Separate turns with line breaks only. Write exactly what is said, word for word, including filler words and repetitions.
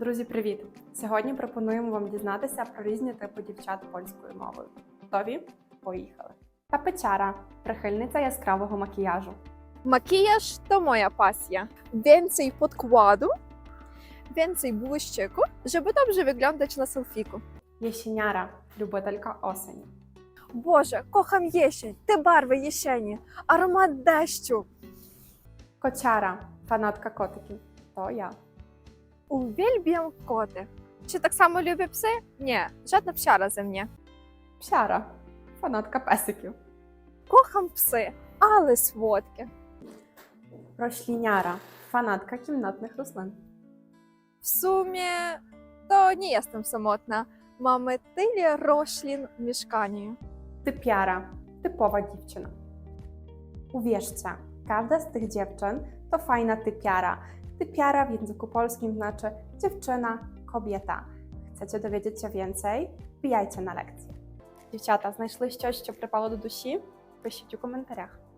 Друзі, привіт! Сьогодні пропонуємо вам дізнатися про різні типи дівчат польською мовою. Готові? Поїхали! Tapeciara – прихильниця яскравого макіяжу.
Makijaż to moja pasja. Więcej podkładu, więcej błyszczyku, żeby dobrze wyglądać na selfiku.
Jesieniara – любителька осені.
Boże, kocham jesień, te barwy jesieni, aromat deszczu.
Kociara – fanatka kotykів. To ja.
Uwielbiam koty. Czy tak samo lubię psy? Nie, żadna psiara ze mnie.
Psiara – fanatka pesиків.
Kocham psy, ale słodkie.
Rośliniara – fanatka kimnatnych roślin.
W sumie to nie jestem samotna. Mamy tyle roślin w mieszkaniu.
Typiara – typowa dziewczyna. Uwierzcie, każda z tych dziewczyn to fajna typiara. Typiara w języku polskim znaczy dziewczyna, kobieta. Chcecie dowiedzieć się więcej? Wbijajcie na lekcję. Дівчата, знайшли щось, що припало до душі? Пишіть у коментарях.